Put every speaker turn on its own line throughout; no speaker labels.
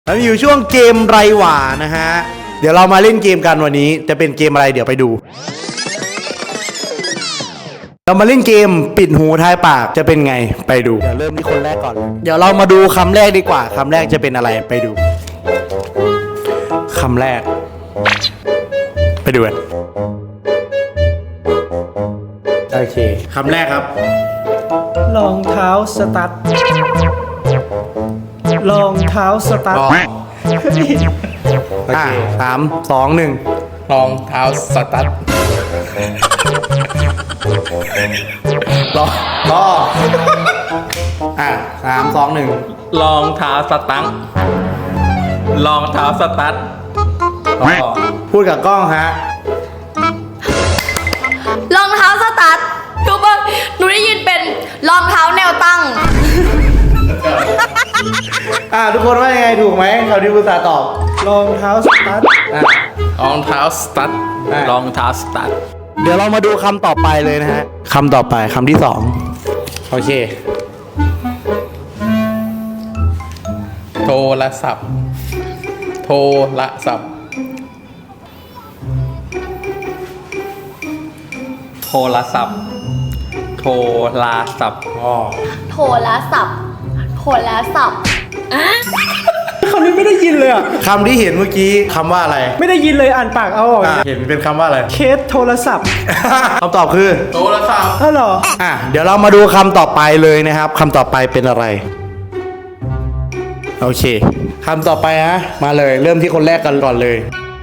แล้วอยู่ช่วงเกมไรหว่านะฮะเดี๋ยวเรามาเล่นเกมกันวันนี้จะเป็นเกมอะไรเดี๋ยวไปดูเรามาเล่นเกมปิดหูทายปากจะเป็นไงไปดูเดี๋ยวเริ่มที่คนแรกก่อนเดี๋ยวเรามาดูคำแรกดีกว่าคำแรกจะเป็นอะไรไปดูคำแรกไปดูกันโอเคคำแรกครับ
รองเท้าสตั๊ดรองเท้าสตั๊ด
โอเค3 2 1
รองเท้าสตั๊ด
รอ3 2 1
รองเท้าสตั๊ดรองเท้าสตั๊ด
พูดกับกล้องฮะ
รองเท้าสตั๊ดทุกคนหนูได้ยินเป็นรองเท้าแนวตั้ง
ทุกคนว่ายังไงถูกไหมเขาที่ภาษาตอบ
รองเท้าสตั๊ด
รองเท้าสตั๊ดรองเท้าสตั๊ด
เดี๋ยวเรามาดูคำต่อไปเลยนะฮะคำต่อไปคำที่2โอเค
โทรศัพท์โทรศัพท์โทรศัพท์โทรศัพท์
โทรศัพท์โทรศัพท์
คำนี้ไม่ได้ยินเลยอ่ะ
คำที่เห็นเมื่อกี้คำว่าอะไร
ไม่ได้ยินเลยอ่านปากเอาออก
เห็นเป็นคำว่าอะไร
เคสโทรศัพท์
คำตอบคือ
โทรศัพท์
เหรอ
เดี๋ยวเรามาดูคำต่อไปเลยนะครับคำต่อไปเป็นอะไรโอเคคำต่อไปนะมาเลยเริ่มที่คนแรกกันก่อนเลย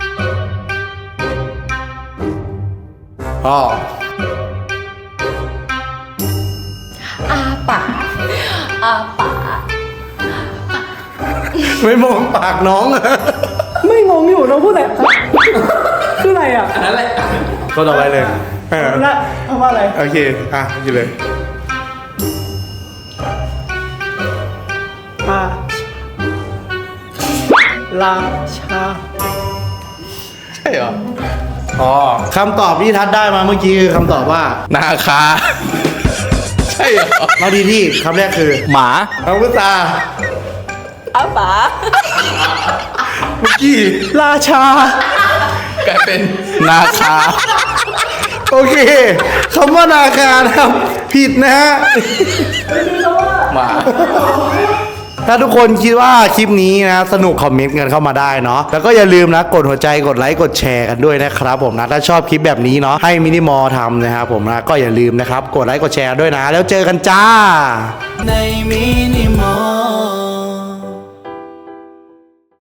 อาปากอาปาก
ไม่มองปากน้อง
ไม่งงอยู่น้องพูดอะไรคืออะไรอ่ะ
นั่นแหละ
ก็ต่อไปเลย
ละคำว่าอะไร
โอเคอยู่เลย
ราชา
ใช่เหรอ
คำตอบที่ทัดได้มาเมื่อกี้คือคำตอบว่า
นาคาใช่เหรอ
เราดีที่คำแรกคือ
หมา
เอาพุทธา
อาปาก
เมื่อกี้
ราชาก
ลายเป็นนาคา
โอเคคำว่านาคานะครับผิดนะฮะ
หมา
ถ้าทุกคนคิดว่าคลิปนี้นะสนุกคอมเมนต์กันเข้ามาได้เนาะแล้วก็อย่าลืมนะกดหัวใจกดไลค์กดแชร์กันด้วยนะครับผมนะถ้าชอบคลิปแบบนี้เนาะให้มินิมอลทำนะครับผมนะก็อย่าลืมนะครับกดไลค์กดแชร์ด้วยนะแล้วเจอกันจ้าในมินิมอล